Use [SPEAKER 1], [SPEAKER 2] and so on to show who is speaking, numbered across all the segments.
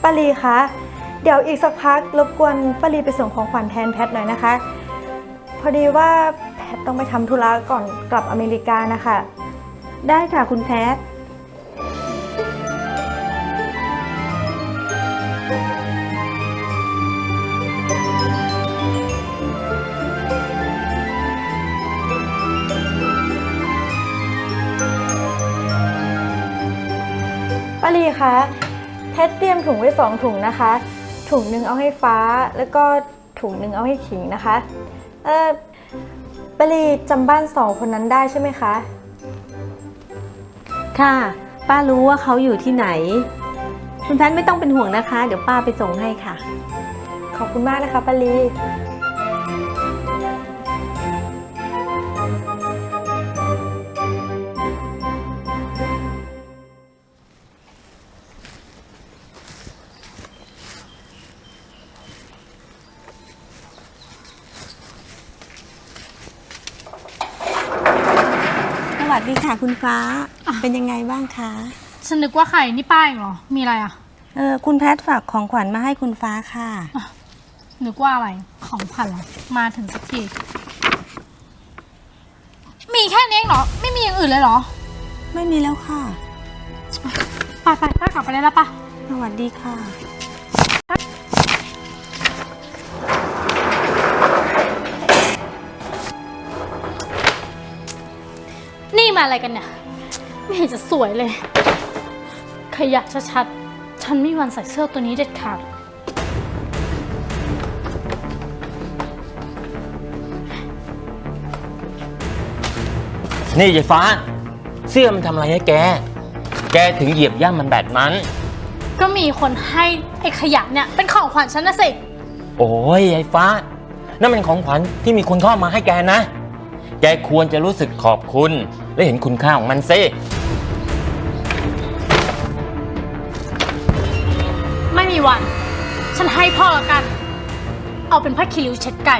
[SPEAKER 1] ป้าลีคะเดี๋ยวอีกสักพักรบกวนป้าลีไปส่งของขวัญแทนแพทหน่อยนะคะพอดีว่าแพทต้องไปทำธุระก่อนกลับอเมริกานะคะ
[SPEAKER 2] ได้ค่ะคุณแพท
[SPEAKER 1] ป้าลีคะแพทเตรียมถุงไว้2 ถุงนะคะถุงหนึ่งเอาให้ฟ้าแล้วก็ถุงหนึ่งเอาให้ขิงนะคะป้าลีจำบ้าน2 คนนั้นได้ใช่ไหมคะ
[SPEAKER 2] ค่ะป้ารู้ว่าเขาอยู่ที่ไหนคุณแพทไม่ต้องเป็นห่วงนะคะเดี๋ยวป้าไปส่งให้ค่ะ
[SPEAKER 1] ขอบคุณมากนะคะป้าลี
[SPEAKER 2] สวัสดีค่ะคุณฟ้าเป็นยังไงบ้างคะ
[SPEAKER 3] ฉันนึกว่าใครนี่ป้าเองเหรอมีอะไรอ่ะ
[SPEAKER 2] คุณแพทฝากของขวัญมาให้คุณฟ้าค่ะ
[SPEAKER 3] นึกว่าอะไรของขวัญเหรอมาถึงสักทีมีแค่นี้เองเหรอไม่มีอย่างอื่นเลยเหรอ
[SPEAKER 2] ไม่มีแล้วค่ะ
[SPEAKER 3] ไปป้ากลับไปได้แล้วปะ
[SPEAKER 2] สวัสดีค่ะ
[SPEAKER 3] นี่มาอะไรกันเนี่ยไม่เห็นจะสวยเลยขยะชัดๆฉันไม่มีวันใส่เสื้อตัวนี้เด็ดขาด
[SPEAKER 4] นี่ยายฟ้าเสื้อมันทำอะไรให้แกถึงเหยียบย่ำมันแบบนั้น
[SPEAKER 3] ก็มีคนให้ไอ้ขยะเนี่ยเป็นของขวัญฉันนะสิ
[SPEAKER 4] โอ้ยยายฟ้านั่นเป็นของขวัญที่มีคนเข้ามาให้แกนะแกควรจะรู้สึกขอบคุณและเห็นคุณค่าของมันซิ
[SPEAKER 3] ไม่มีวันฉันให้พ่อละกันเอาเป็นผ้าคีริ้วเช็ดไก่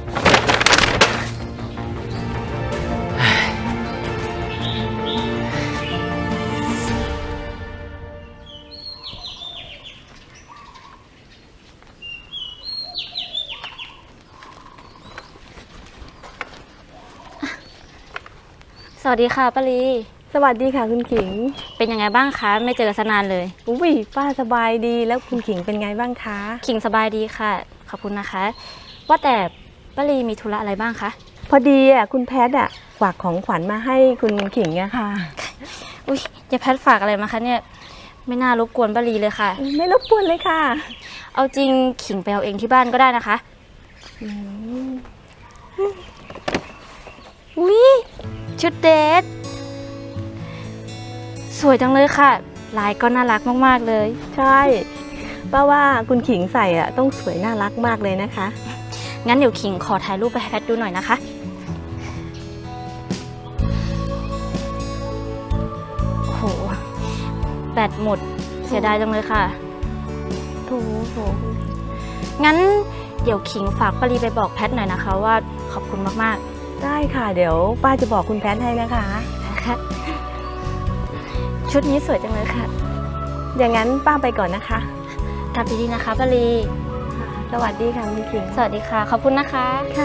[SPEAKER 5] สวัสดีค่ะป้าลี
[SPEAKER 2] สวัสดีค่ะคุณขิง
[SPEAKER 5] เป็นยังไงบ้างคะไม่เจอกันนานเลย
[SPEAKER 2] อุ้ยป้าสบายดีแล้วคุณขิงเป็นไงบ้างคะ
[SPEAKER 5] ขิงสบายดีค่ะขอบคุณนะคะว่าแต่ป้าลีมีธุระอะไรบ้างคะ
[SPEAKER 2] พอดีคุณแพทฝากของขวัญมาให้คุณขิงอะค่ะ
[SPEAKER 5] อุ้ยอย่าแพทฝากอะไรมาคะเนี่ยไม่น่ารบกวนป้าลีเลยค่ะ
[SPEAKER 2] ไม่รบกวนเลยค่ะ
[SPEAKER 5] เอาจริงขิงไปเอาเองที่บ้านก็ได้นะคะอุ้ยชุดเดทสวยจังเลยค่ะลายก็น่ารักมากๆเลย
[SPEAKER 2] ใช่ป้าว่าคุณขิงใส่ต้องสวยน่ารักมากเลยนะคะ
[SPEAKER 5] งั้นเดี๋ยวขิงขอถ่ายรูปไปให้แพทดูหน่อยนะคะโหแบตหมดเสียดายจังเลยค่ะ
[SPEAKER 2] โถ
[SPEAKER 5] งั้นเดี๋ยวขิงฝากป้าลีไปบอกแพทหน่อยนะคะว่าขอบคุณมาก
[SPEAKER 2] ๆได้ค่ะเดี๋ยวป้าจะบอกคุณแพทให้นะคะ
[SPEAKER 5] ค่ะชุดนี้สวยจังเลยค่ะ
[SPEAKER 2] อย่างนั้นป้าไปก่อนนะคะ
[SPEAKER 5] กลับดีๆนะคะป้าลี
[SPEAKER 2] สวัสดีค่ะคุณขิง
[SPEAKER 5] สวัสดีค่ะขอบคุณนะคะ
[SPEAKER 2] ค่ะ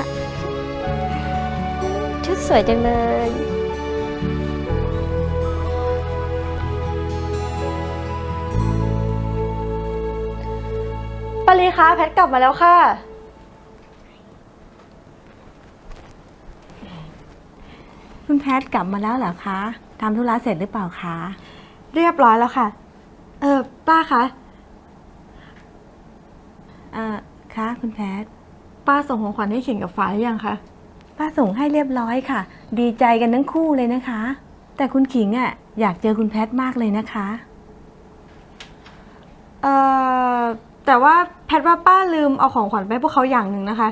[SPEAKER 5] ชุดสวยจังเลย
[SPEAKER 1] ป้าลีคะแพทกลับมาแล้วค่ะ
[SPEAKER 2] คุณแพทกลับมาแล้วเหรอคะทำธุระเสร็จหรือเปล่าคะ
[SPEAKER 1] เรียบร้อยแล้วค่ะป้าคะ
[SPEAKER 2] คะคุณแพท
[SPEAKER 1] ป้าส่งของขวัญให้ขิงกับฟ้าหรือยังคะ
[SPEAKER 2] ป้าส่งให้เรียบร้อยค่ะดีใจกันทั้งคู่เลยนะคะแต่คุณขิงอยากเจอคุณแพทมากเลยนะคะ
[SPEAKER 1] แต่ว่าแพทว่าป้าลืมเอาของขวัญไปให้พวกเขาอย่างหนึ่งนะคะ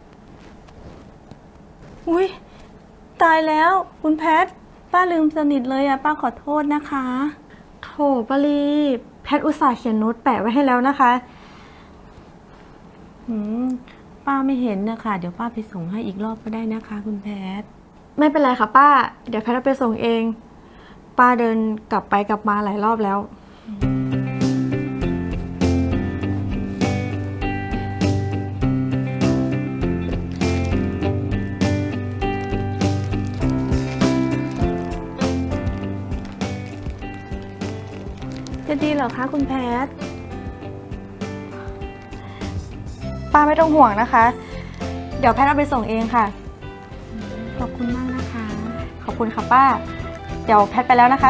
[SPEAKER 2] อุ้ยตายแล้วคุณแพทป้าลืมสนิทเลยป้าขอโทษนะคะ
[SPEAKER 1] โถป้าลีแพทอุตส่าห์เขียนโน้ตแปะไว้ให้แล้วนะคะ
[SPEAKER 2] ป้าไม่เห็นนะคะเดี๋ยวป้าไปส่งให้อีกรอบก็ได้นะคะคุณแพท
[SPEAKER 1] ไม่เป็นไรค่ะป้าเดี๋ยวแพทเอาไปส่งเองป้าเดินกลับไปกลับมาหลายรอบแล้ว
[SPEAKER 2] จะดีเหรอคะคุณแพท
[SPEAKER 1] ป้าไม่ต้องห่วงนะคะ เดี๋ยวแพทย์เอาไปส่งเองค่ะ
[SPEAKER 2] ขอบคุณมากนะคะ
[SPEAKER 1] ขอบคุณค่ะป้า เดี๋ยวแพทย์ไปแล้วนะคะ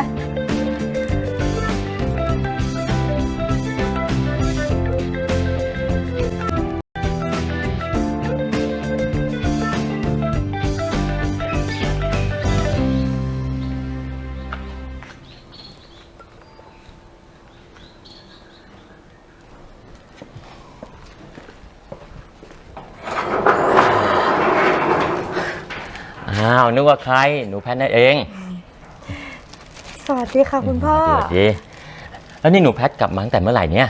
[SPEAKER 4] อ้าวนึกว่าใครหนูแพทนั่นเอง
[SPEAKER 1] สวัสดีค่ะคุณพ่อ
[SPEAKER 4] สวัสดีแล้วนี่หนูแพทกลับมาตั้งแต่เมื่อไหร่เนี่ย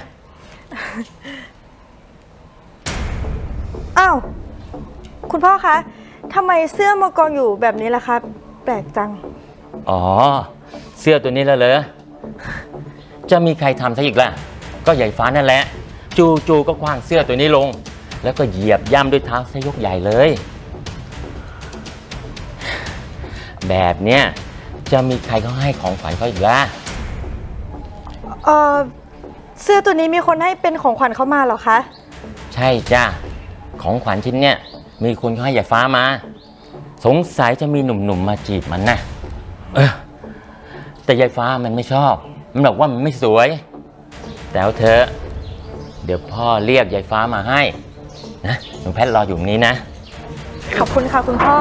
[SPEAKER 1] อ้าว คุณพ่อคะทำไมเสื้อมากองอยู่แบบนี้ล่ะคะ แปลกจัง
[SPEAKER 4] อ๋อ เสื้อตัวนี้แล้วเหรอจะมีใครทำซะอีกล่ะ ก็ใหญ่ฟ้านั่นแหละ จู่ๆก็คว้างเสื้อตัวนี้ลง แล้วก็เหยียบย่ำด้วยเท้าซะยกใหญ่เลย แบบเนี้ยจะมีใครเขาให้ของขวัญเขาอีกล่ะ
[SPEAKER 1] เสื้อตัวนี้มีคนให้เป็นของขวัญเข้ามาเหรอคะ
[SPEAKER 4] ใช่จ้าของขวัญชิ้นเนี้ยมีคนเขาให้ยายฟ้ามา สงสัยจะมีหนุ่มๆมาจีบมันนะแต่ยายฟ้ามันไม่ชอบ มันบอกว่ามันไม่สวย แต่เอาเถอะเดี๋ยวพ่อเรียกยายฟ้ามาให้นะหนูแพทรออยู่ตรงนี้นะ
[SPEAKER 1] ขอบคุณค่ะคุณพ่อ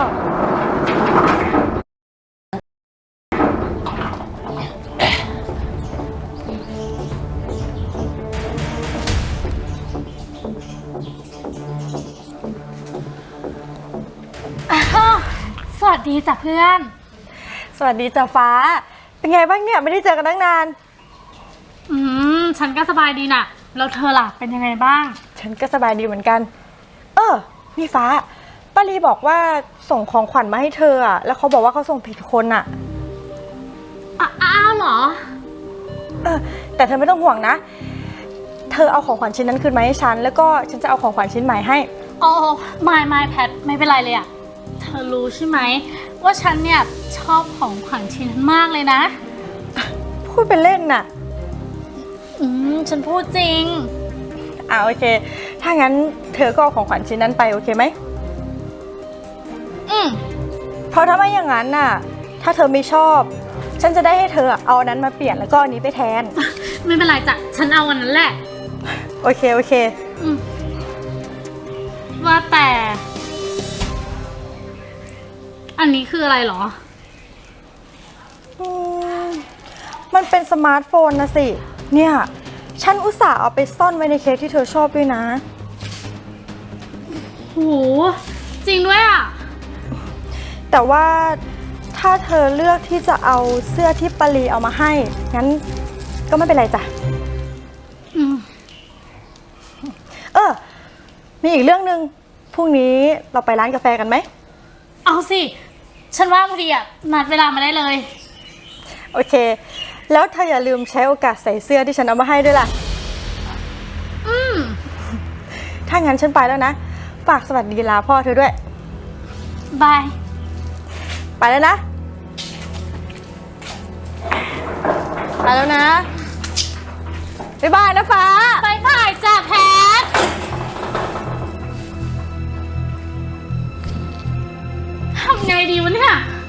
[SPEAKER 3] สวัสดีจ้ะเพื่อน
[SPEAKER 1] สวัสดีจ้ะฟ้า เป็นไงบ้างเนี่ยไม่ได้เจอกันตั้งนาน
[SPEAKER 3] ฉันก็สบายดีน่ะ แล้วเธอล่ะ เป็นยังไงบ้าง
[SPEAKER 1] ฉันก็สบายดีเหมือนกัน นี่ฟ้าป้าลีบอกว่าส่งของขวัญมาให้เธออะแล้วเขาบอกว่าเขาส่งผิดคนอะ
[SPEAKER 3] อ้าวเหรอ
[SPEAKER 1] แต่เธอไม่ต้องห่วงนะ เธอเอาของขวัญชิ้นนั้นคืนมาให้ฉัน แล้วก็ฉันจะเอาของขวัญชิ้นใหม่ให้
[SPEAKER 3] อ๋อไม่แพทไม่เป็นไรเลยอะเธอรู้ใช่ไหมว่าฉันเนี่ยชอบของขวัญชิ้นนั้นมากเลยนะ
[SPEAKER 1] พูดเป็นเล่นน่ะ
[SPEAKER 3] ฉันพูดจริง
[SPEAKER 1] โอเค ถ้างั้นเธอก็เอาของขวัญชิ้นนั้นไปโอเคไหม เพราะถ้าไม่อย่างนั้นน่ะ ถ้าเธอไม่ชอบ ฉันจะได้ให้เธอเอาอันนั้นมาเปลี่ยนแล้วก็อันนี้ไปแทน
[SPEAKER 3] ไม่เป็นไรจ้ะ ฉันเอาอันนั้นแหละ
[SPEAKER 1] โอเค
[SPEAKER 3] ว่าแต่ อันนี้คืออะไรเหรอ
[SPEAKER 1] มันเป็นสมาร์ทโฟนนะสิ เนี่ย ฉันอุตส่าห์เอาไปซ่อนไว้ในเค้กที่เธอชอบด้วยนะ
[SPEAKER 3] โห จริงด้วยอ่ะ
[SPEAKER 1] แต่ว่าถ้าเธอเลือกที่จะเอาเสื้อที่ปารีเอามาให้ งั้นก็ไม่เป็นไรจ้ะ มีอีกเรื่องหนึ่งพรุ่งนี้เราไปร้านกาแฟกันไหม
[SPEAKER 3] เอาสิ ฉันว่าพอดีอ่ะ นัดเวลามาได้เลย
[SPEAKER 1] โอเค แล้วเธออย่าลืมใช้โอกาสใส่เสื้อที่ฉันเอามาให้ด้วยล่ะ ถ้างั้นฉันไปแล้วนะ ฝากสวัสดีลาพ่อเธอด้วย
[SPEAKER 3] บาย
[SPEAKER 1] ไปแล้วนะ ไปแล้วนะ บ๊ายบายนะฟ้า
[SPEAKER 3] บายบายจ้ะแพท ทำไงดีวะเนี่ย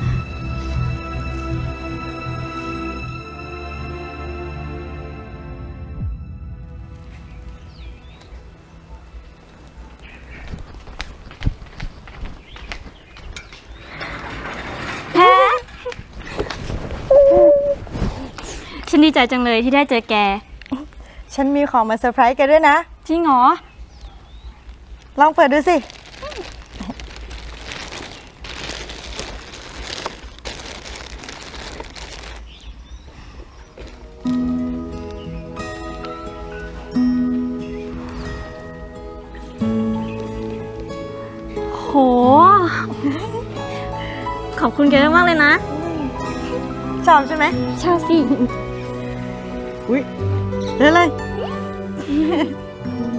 [SPEAKER 5] ฉันดีใจจังเลยที่ได้เจอแก
[SPEAKER 1] ฉันมีของมาเซอร์ไพรส์แกด้วยนะ
[SPEAKER 5] จริงเหรอ
[SPEAKER 1] ลองเปิดดูสิ
[SPEAKER 5] โห ขอบคุณแกมากเลยนะ
[SPEAKER 1] ชอบใช่ไหม
[SPEAKER 5] ชอบสิ
[SPEAKER 1] อุ้ยเล่นเลย